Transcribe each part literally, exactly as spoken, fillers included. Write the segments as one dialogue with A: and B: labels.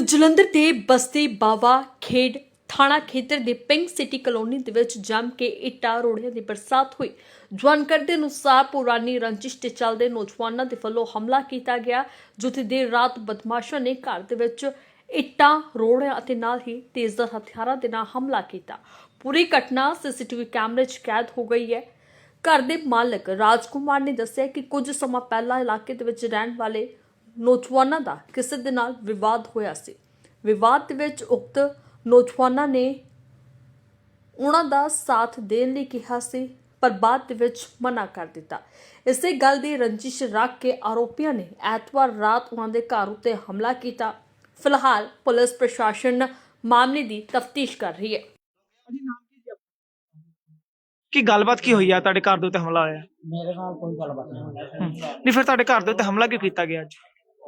A: ਜਲੰਧਰ ਦੇ ਬਸਤੀ ਬਾਵਾ ਖੇਡ ਥਾਣਾ ਖੇਤਰ ਦੇ ਪਿੰਕ ਸਿਟੀ ਕਲੋਨੀ ਦੇ ਵਿੱਚ ਜੰਮ ਕੇ ਇੱਟਾਂ ਰੋੜਿਆਂ ਦੀ ਬਰਸਾਤ ਹੋਈ। ਜਾਣਕਾਰੀ ਦੇ ਅਨੁਸਾਰ ਪੁਰਾਣੀ ਰੰਜਿਸ਼ ਦੇ ਚੱਲਦੇ ਨੌਜਵਾਨਾਂ ਦੇ ਵੱਲੋਂ ਹਮਲਾ ਕੀਤਾ ਗਿਆ, ਜਿੱਥੇ ਦੇਰ ਰਾਤ ਬਦਮਾਸ਼ਾਂ ਨੇ ਘਰ ਦੇ ਵਿੱਚ ਇੱਟਾਂ ਰੋੜਿਆਂ ਅਤੇ ਨਾਲ ਹੀ ਤੇਜ਼ਧਾਰ ਹਥਿਆਰਾਂ ਦੇ ਨਾਲ ਹਮਲਾ ਕੀਤਾ। ਪੂਰੀ ਘਟਨਾ ਸੀਸੀਟੀਵੀ ਕੈਮਰੇ 'ਚ ਕੈਦ ਹੋ ਗਈ ਹੈ। ਘਰ ਦੇ ਮਾਲਕ ਰਾਜਕੁਮਾਰ ਨੇ ਦੱਸਿਆ ਕਿ ਕੁਝ ਸਮਾਂ ਪਹਿਲਾਂ ਇਲਾਕੇ ਦੇ ਵਿੱਚ ਰਹਿਣ ਵਾਲੇ ਨੌਜਵਾਨਾਂ ਦਾ ਕਿਸੇ ਦੇ ਨਾਲ ਵਿਵਾਦ ਹੋਇਆ ਸੀ। ਵਿਵਾਦ ਦੇ ਵਿੱਚ ਉਕਤ ਨੌਜਵਾਨਾਂ ਨੇ ਉਹਨਾਂ ਦਾ ਸਾਥ ਦੇਣ ਲਈ ਕਿਹਾ ਸੀ, ਪਰ ਬਾਅਦ ਦੇ ਵਿੱਚ ਮਨਾ ਕਰ ਦਿੱਤਾ। ਇਸੇ ਗੱਲ ਦੀ ਰੰਜਿਸ਼ ਰੱਖ ਕੇ ਆਰੋਪੀਆਂ ਨੇ ਐਤਵਾਰ ਰਾਤ ਉਹਨਾਂ ਦੇ ਘਰ ਉੱਤੇ ਹਮਲਾ ਕੀਤਾ। ਫਿਲਹਾਲ ਪੁਲਿਸ ਪ੍ਰਸ਼ਾਸਨ ਮਾਮਲੇ ਦੀ ਤਫਤੀਸ਼ ਕਰ ਰਹੀ ਹੈ।
B: ਕੀ ਗੱਲਬਾਤ ਕੀ ਹੋਈ ਆ ਤੁਹਾਡੇ ਘਰ ਦੇ ਉੱਤੇ ਹਮਲਾ ਹੋਇਆ?
C: मेरे नाल कोई गलबात नहीं होई।
B: ਨਹੀਂ ਫਿਰ ਤੁਹਾਡੇ ਘਰ ਦੇ ਉੱਤੇ ਹਮਲਾ ਕਿਉਂ ਕੀਤਾ ਗਿਆ ਅੱਜ?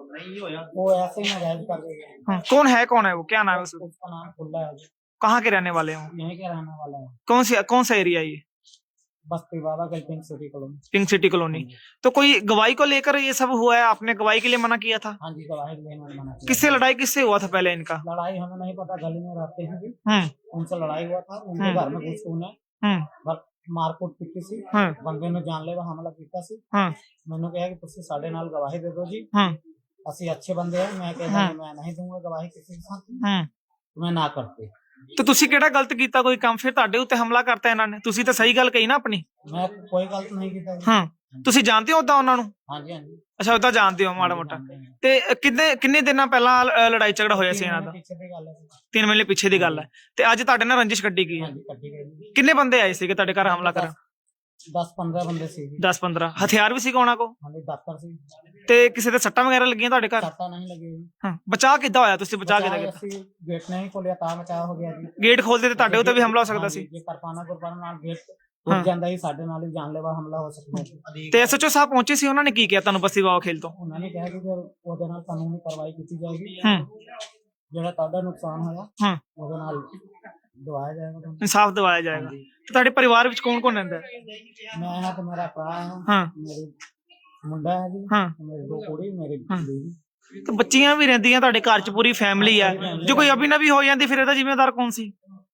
C: वो ऐसे ही नाजायज कर रहे हैं।
B: हाँ, कौन है कौन है वो, क्या नाम है उसका?
C: उसका नाम खुला है जी।
B: कहाँ के रहने वाले हो?
C: यहीं के रहने वाला है।
B: कौन सी कौन सा एरिया ये?
C: बस्ती बाबा का pink city colony.
B: Pink city colony. तो कोई गवाही को लेकर ये सब हुआ है? आपने गवाही के लिए मना किया था?
C: हाँ जी, गवाही के लिए मैंने मना किया।
B: किससे लड़ाई किससे हुआ था पहले इनका?
C: लड़ाई हमें नहीं पता, गली में रहते हैं जी।
B: हम्म
C: उनसे लड़ाई हुआ था, उनके
B: हम्म।
C: घर में घुस के उन्हें
B: हम्म
C: बस मारकुट की सी।
B: हम्म
C: बंदे ने जानलेवा हमला किया सी।
B: हम्म
C: मैंने कहा कि तुझसे साढ़े नाल गवाही दे दो जी।
B: हम्म
C: ਅਸੀਂ अच्छे बंदे हैं। मैं कहता
B: हम्म।
C: मैं नहीं दूंगा गवाही किसी के साथ।
B: हम्म
C: मैं ना करते।
B: तो ਤੁਸੀਂ ਕਿਹੜਾ ਗਲਤ ਕੀਤਾ ਕੋਈ ਕੰਮ, ਫਿਰ ਤੁਹਾਡੇ ਉੱਤੇ ਹਮਲਾ ਕਰਤਾ ਇਹਨਾਂ ਨੇ? ਤੁਸੀਂ ਤਾਂ ਸਹੀ ਗੱਲ ਕਹੀ ਨਾ ਆਪਣੀ।
C: मैं कोई गलत नहीं किया।
B: ਹਾਂ ਤੁਸੀਂ ਜਾਣਦੇ ਹੋ ਉਦਾਂ ਉਹਨਾਂ ਨੂੰ?
C: हाँ जी, हाँ जी।
B: ਅੱਛਾ ਉਦਾਂ ਜਾਣਦੇ ਹੋ ਮਾੜਾ ਮੋਟਾ।
C: जानते हैं।
B: ਤੇ ਕਿੰਨੇ ਕਿੰਨੇ ਦਿਨਾਂ ਪਹਿਲਾਂ ਅ, ਲੜਾਈ ਝਗੜਾ ਹੋਇਆ ਸੀ ਇਹਨਾਂ ਦਾ?
C: पीछे की गल है।
B: ਤਿੰਨ ਮਹੀਨੇ ਪਿੱਛੇ ਦੀ ਗੱਲ ਹੈ। ਤੇ ਅੱਜ ਤੁਹਾਡੇ ਨਾਲ ਰੰਜਿਸ਼ ਕੱਢੀ ਗਈ
C: हाँ
B: ਹੈ।
C: जी, कट्टी गई।
B: ਕਿੰਨੇ ਬੰਦੇ ਆਏ ਸੀਗੇ ਤੁਹਾਡੇ ਘਰ ਹਮਲਾ ਕਰਨ?
C: दस पंद्रह बंदे सी।
B: ਦਸ ਪੰਦਰਾਂ ਹਥਿਆਰ ਵੀ ਸੀਗਾ ਉਹਨਾਂ ਕੋਲ?
C: हाँ जी, दातर सी।
B: ਤੇ ਕਿਸੇ ਦੇ ਸੱਟਾਂ ਵਗੈਰਾ ਲੱਗੀਆਂ ਤੁਹਾਡੇ ਘਰ?
C: सट्टा नहीं लगी।
B: ਹਾਂ ਬਚਾਅ ਕਿੱਦਾਂ ਹੋਇਆ? ਤੁਸੀਂ ਬਚਾਅ ਕਿੱਦਾਂ
C: बचाव
B: ਕੀਤਾ?
C: ऐसी गेट नहीं खोलिया ता बचाव हो गया जी।
B: ਗੇਟ ਖੋਲਦੇ ਤੇ ਤੁਹਾਡੇ ਉੱਤੇ ਵੀ ਹਮਲਾ ਹੋ ਸਕਦਾ ਸੀ।
C: ਜੇ ਕਿਰਪਾਨਾ ਗੁਰਬਾਨਾ ਨਾਲ ਗੇਟ
B: ਹਾਂ।
C: ਟੁੱਟ ਜਾਂਦਾ ਹੀ, ਸਾਡੇ ਨਾਲ ਹੀ ਜਾਨਲੇਵਾ ਹਮਲਾ ਹੋ ਸਕਦਾ ਸੀ।
B: ਤੇ ਐਸਐਚਓ ਸਾਹਿਬ ਪਹੁੰਚੇ ਸੀ, ਉਹਨਾਂ ਨੇ ਕੀ ਕਿਹਾ ਤੁਹਾਨੂੰ ਬਸਤੀ ਬਾਵਾ ਖੇਲ ਤੋਂ?
C: ਉਹਨਾਂ ਨੇ ਕਿਹਾ ਕਿ ਫਿਰ ਉਹਦੇ ਨਾਲ ਕਾਨੂੰਨੀ ਕਾਰਵਾਈ ਕੀਤੀ ਜਾਏਗੀ।
B: ਹੂੰ
C: ਜਿਹੜਾ ਤੁਹਾਡਾ ਨੁਕਸਾਨ ਹੋਇਆ
B: ਹੂੰ
C: ਉਹਦੇ ਨਾਲ ਦਵਾਇਆ ਜਾਏਗਾ ਤੁਹਾਨੂੰ।
B: ਇਨਸਾਫ ਦਿਵਾਇਆ ਜਾਏਗਾ। ਤੇ ਤੁਹਾਡੇ ਪਰਿਵਾਰ ਵਿੱਚ ਕੌਣ ਕੌਣ ਰਹਿੰਦਾ ਹੈ?
C: ਮੈਂ ਹਾਂ ਤੇ ਮੇਰਾ ਭਰਾ ਹੈ,
B: ਹਾਂ
C: ਮੇਰੇ ਮੁੰਡਾ ਹੈ ਜੀ,
B: ਹਾਂ
C: ਮੇਰੇ ਦੋ ਕੁੜੀ, ਮੇਰੀ
B: ਹਾਂ।
C: ਬੀਵੀ।
B: ਤੇ ਬੱਚੀਆਂ ਵੀ ਰਹਿੰਦੀਆਂ ਤੁਹਾਡੇ ਘਰ 'ਚ, ਪੂਰੀ ਫੈਮਿਲੀ ਹੈ। ਜੇ ਕੋਈ ਅਭੀ ਨਵੀ ਹੋ ਜਾਂਦੀ ਫਿਰ ਇਹਦਾ ਜ਼ਿੰਮੇਵਾਰ ਕੌਣ ਸੀ?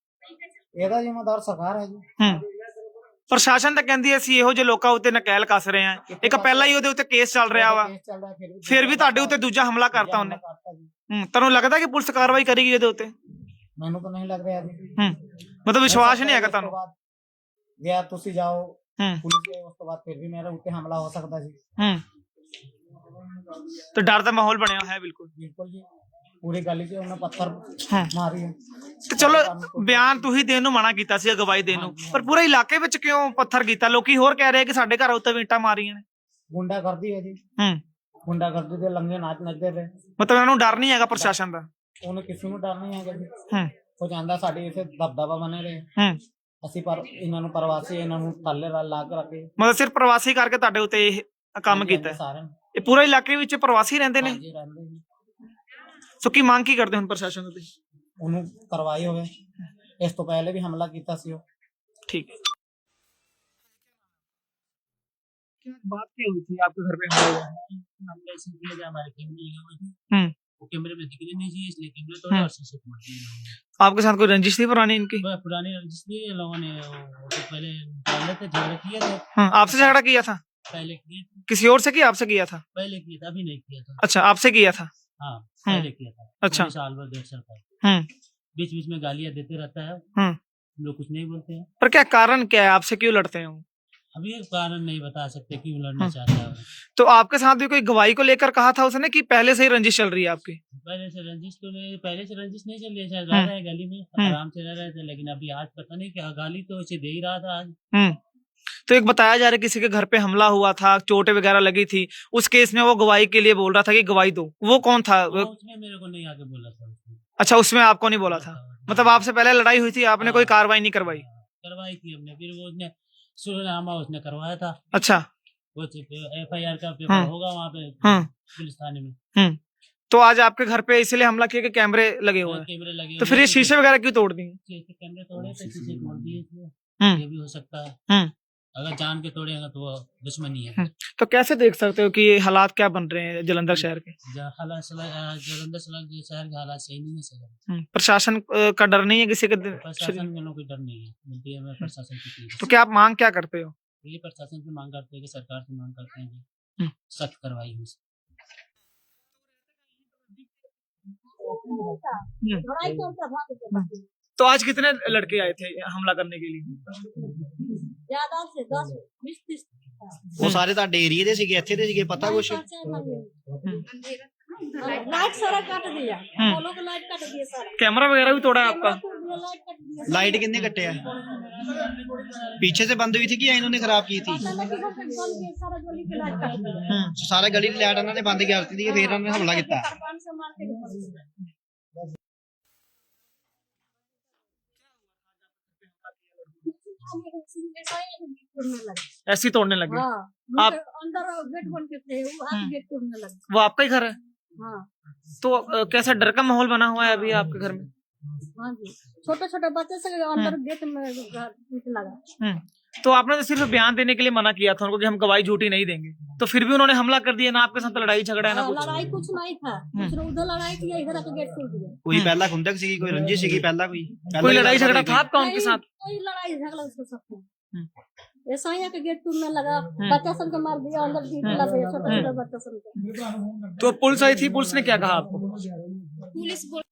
C: ਇਹਦਾ ਜ਼ਿੰਮੇਦਾਰ ਸਰਕਾਰ ਹੈ ਜੀ।
B: ਹੂੰ ਪ੍ਰਸ਼ਾਸਨ ਤਾਂ ਕਹਿੰਦੀ ਅਸੀਂ ਇਹੋ ਜਿਹੇ ਲੋਕਾਂ ਉੱਤੇ ਨਕੈਲ ਕੱਸ ਰਹੇ ਹਾਂ। ਇੱਕ ਪਹਿਲਾਂ ਹੀ ਉਹਦੇ ਉੱਤੇ ਕੇਸ ਚੱਲ ਰਿਹਾ ਵਾ,
C: ਕੇਸ ਚੱਲਦਾ, ਫਿਰ ਵੀ
B: ਫਿਰ ਵੀ ਤੁਹਾਡੇ ਉੱਤੇ ਦੂਜਾ ਹਮਲਾ ਕਰਤਾ ਉਹਨੇ।
C: ਕਰਤਾ ਜੀ।
B: ਹੂੰ ਤੁਹਾਨੂੰ ਲੱਗਦਾ ਕਿ ਪੁਲਿਸ ਕਾਰਵਾਈ ਕਰੇਗੀ ਇਹਦੇ ਉੱਤੇ?
C: ਮੈਨੂੰ ਤਾਂ ਨਹੀਂ ਲੱਗ ਰਿਹਾ ਜੀ।
B: ਹੂੰ ਮਤਲਬ ਵਿਸ਼ਵਾਸ ਨਹੀਂ ਹੈਗਾ
C: ਉਸ ਤੋਂ
B: ਤੁਹਾਨੂੰ?
C: ਬਾਅਦ ਗਿਆ ਤੁਸੀਂ ਜਾਓ
B: ਹੂੰ
C: ਪੁਲਿਸ ਦੇ, ਉਸ ਤੋਂ ਬਾਅਦ ਫਿਰ ਵੀ ਮੇਰੇ ਉੱਤੇ ਹਮਲਾ ਹੋ ਸਕਦਾ ਜੀ।
B: ਹੂੰ ਤੇ ਡਰ ਦਾ ਮਾਹੌਲ ਬਣਿਆ ਹੋਇਆ ਹੈ ਬਿਲਕੁਲ।
C: ਬਿਲਕੁਲ ਜੀ, ਪੂਰੀ ਗਲੀ 'ਚ ਉਹਨੇ ਪੱਥਰ
B: ਹਾਂ
C: ਮਾਰੀ ਹੈ।
B: ਤੇ ਚਲੋ ਬਿਆਨ ਤੁਸੀਂ ਦੇਣ ਨੂੰ ਮਨਾ ਕੀਤਾ ਸੀ, ਗਵਾਹੀ ਦੇਣ ਨੂੰ, ਪਰ ਪੂਰੇ ਇਲਾਕੇ ਵਿੱਚ ਕਿਉਂ ਪੱਥਰ ਕੀਤਾ? ਲੋਕੀ ਹੋਰ ਕਹਿ ਰਹੇ ਕਿ ਸਾਡੇ ਘਰ ਉੱਤੇ ਵੀ ਇੱਟਾਂ ਮਾਰੀਆਂ ਨੇ।
C: ਗੁੰਡਾ ਕਰਦੀ ਹੈ ਜੀ।
B: ਹੂੰ
C: ਗੁੰਡਾ ਕਰਦੀ ਦੇ ਲੰਗੇ ਨਾਚ ਨੱਚਦੇ ਪਏ।
B: ਮਤਲਬ ਇਹਨਾਂ ਨੂੰ ਡਰ ਨਹੀਂ ਹੈਗਾ ਪ੍ਰਸ਼ਾਸਨ ਦਾ?
C: ਉਹਨੂੰ ਕਿਸੇ ਨੂੰ ਡਰ ਨਹੀਂ ਹੈਗਾ ਜੀ।
B: ਹੂੰ
C: ਉਹ ਚਾਹੁੰਦਾ ਸਾਡੇ ਇੱਥੇ ਦਬਦਬਾ ਬਣੇ ਰਹੇ।
B: ਹੂੰ
C: ਅਸੀਂ ਪਰ ਇਹਨਾਂ ਨੂੰ ਪ੍ਰਵਾਸੀ, ਇਹਨਾਂ ਨੂੰ ਥੱਲੇ ਲਾ ਕੇ ਰੱਖੇ।
B: ਮਤਲਬ ਸਿਰਫ ਪ੍ਰਵਾਸੀ ਕਰਕੇ ਤੁਹਾਡੇ ਉੱਤੇ ਇਹ ਕੰਮ ਕੀਤਾ ਹੈ?
C: ਸਾਰਿਆਂ ਨੂੰ।
B: ਇਹ ਪੂਰੇ ਇਲਾਕੇ ਵਿੱਚ ਪ੍ਰਵਾਸੀ ਰਹਿੰਦੇ ਨੇ?
C: ਹਾਂਜੀ, ਰਹਿੰਦੇ ਜੀ।
B: ਸੋ ਕੀ ਮੰਗ ਕੀ ਕਰਦੇ ਹੁਣ ਪ੍ਰਸ਼ਾਸਨ ਤੋਂ ਤੁਸੀਂ?
C: ਉਹਨੂੰ ਕਰਵਾਈ ਹੋਵੇ। ਇਸ ਤੋਂ ਪਹਿਲੇ ਵੀ ਹਮਲਾ ਕੀਤਾ ਸੀ ਉਹ।
B: ठीक है। क्या बात क्या हुई थी आपके घर पे हमला हुआ?
C: हमला इसलिए किया जो हमारे कैमरे लगे हुए थे,
B: हम्म
C: वो कैमरे में दिखने नहीं चाहिए, इसलिए कैमरे तोड़े
B: हम्म।
C: और शीशे तोड़ दिए।
B: आपके साथ कोई रंजिश थी पुरानी इनकी?
C: वह पुरानी रंजिश थी, इन लोगों ने वो तो पहले डाले थे, झगड़े किए थे।
B: हाँ आपसे झगड़ा किया था?
C: पहले किए थे,
B: किसी और से किया, आपसे किया था?
C: पहले किया था, अभी नहीं किया था।
B: अच्छा आपसे किया था।
C: हाँ, पहले किया था।
B: अच्छा।
C: पूरे साल भर, डेढ़ साल का।
B: हम्म
C: बीच बीच में गालियां देते रहता है,
B: हम्म
C: हम लोग कुछ नहीं बोलते हैं।
B: पर क्या कारण क्या है, आपसे क्यों लड़ते हैं वो?
C: अभी ये कारण नहीं बता सकते क्यों लड़ना
B: हम्म।
C: चाहता है वो।
B: तो आपके साथ भी कोई गवाही को लेकर कहा था उसने कि पहले से ही रंजिश चल रही है आपकी?
C: पहले से रंजिश तो नहीं, पहले से रंजिश नहीं चल रही है, शायद
B: हम्म।
C: रह रहे हैं गली में,
B: हम्म।
C: आराम से रह रहे थे, लेकिन अभी आज पता नहीं क्या गाली तो उसे दे ही रहा था आज।
B: हम्म तो एक बताया जा रहा है किसी के घर पे हमला हुआ था, चोटें वगैरह लगी थी, उस केस में वो गवाही के लिए बोल रहा था कि गवाही दो। वो कौन था?
C: हाँ, उसने मेरे को नहीं आके बोला था उसने।
B: अच्छा उसमें आपको नहीं बोला था? मतलब आपसे पहले लड़ाई हुई थी, आपने कोई कार्रवाई नहीं करवाई?
C: करवाई थी हमने, फिर वो उसने सुरनामा उसने करवाया था।
B: अच्छा
C: वो एफ आई आर का पेपर
B: हाँ।
C: होगा वहाँ पे
B: हाँ
C: पुलिस थाने में।
B: हम्म तो आज आपके घर पे इसलिए हमला किया कि कैमरे लगे हुए हैं?
C: कैमरे लगे
B: तो
C: हुए
B: फिर ये
C: हैं,
B: शीशे वगैरह क्यों तोड़ दिए?
C: शीशे- कैमरे तोड़े थे, शीशे तोड़ दिए इसलिए।
B: हम्म
C: ये भी हो सकता है।
B: हम्म
C: अगर जान के तोड़ेगा तो वो दुश्मनी है।
B: हम्म, तो कैसे देख सकते हो कि ये हालात क्या बन रहे हैं जलंधर शहर के?
C: ज- हालात सला- अ, जलंधर सला- के शहर के हालात सही नहीं है सर।
B: हम्म, प्रशासन अ, का डर नहीं है किसी के दिल-
C: प्रशासन के लोग कोई डर नहीं है, मिलती है हमें प्रशासन की चीज।
B: तो क्या आप मांग क्या करते हो?
C: ये प्रशासन से मांग करते हैं कि सरकार से मांग करते हैं
B: हम्म।
C: कि सख्त कार्रवाई हो।
B: तो आज कितने लड़के आए थे हमला करने के लिए?
D: ज्यादा से दस बीस तीस
E: ਉਹ ਸਾਰੇ ਤੁਹਾਡੇ ਏਰੀਏ ਦੇ ਸੀਗੇ, ਇੱਥੇ ਦੇ ਸੀਗੇ, ਪਤਾ ਕੁਛ?
D: लाइट सारा काट दिया,
B: हम्म।
D: पोलो का लाइट काट दिया सारा,
B: कैमरा वगैरह भी तोड़ा है आपका?
D: लाइट काट दिया।
E: लाइट कितने कटे है? पीछे से बंद हुई थी कि या इन्होंने खराब की थी?
D: पता नहीं कि वो बंद के सारा गली की लाइट काट दिया।
E: हम्म, सारे गली ਦੀ ਲਾਈਟ ਇਹਨਾਂ ਨੇ ਬੰਦ ਕਰ ਦਿੱਤੀ, ਫਿਰ ਇਹਨਾਂ ਨੇ ਹਮਲਾ ਕੀਤਾ।
D: कृपान से मार के निकल गए। ऐसा ही तोड़ने लगे।
B: ऐसे ही तोड़ने लगे?
D: हाँ,
B: आप-
D: आप अंदर गेट बन के थे, वो हाथ गेट तोड़ने लगे।
B: वो आपका ही घर है?
D: हाँ
B: तो अ, कैसा डर का माहौल बना हुआ है अभी आपके घर में?
D: हाँ जी, छोटे छोटे बच्चे से अंदर गेट में लगा।
B: हम्म, तो आपने तो सिर्फ बयान देने के लिए मना किया था उनको कि हम गवाही झूठी नहीं देंगे, तो फिर भी उन्होंने हमला कर दिया ना? आपके साथ लड़ाई झगड़ा है ना
D: हाँ,
B: कुछ?
D: लड़ाई कुछ नहीं था, दूसरा उधर लड़ाई किया, इधर आके गेट तोड़ दिया।
E: ਕੋਈ ਪਹਿਲਾਂ ਖੁੰਦਕ ਸੀਗੀ, ਕੋਈ रंजिश ਸੀਗੀ ਪਹਿਲਾਂ, ਕੋਈ
B: कोई लड़ाई झगड़ा था आपका उनके
D: नहीं,
B: साथ?
D: कोई लड़ाई झगड़ा उसके साथ
B: हम्म।
D: नहीं। ऐसा ही है कि गेट टूटने लगा, बच्चा सब को मार दिया, अंदर टीट लगे, छोटे छोटे बच्चा सब को।
B: तो पुलिस आई थी, पुलिस ने क्या कहा आपको?
D: पुलिस बोल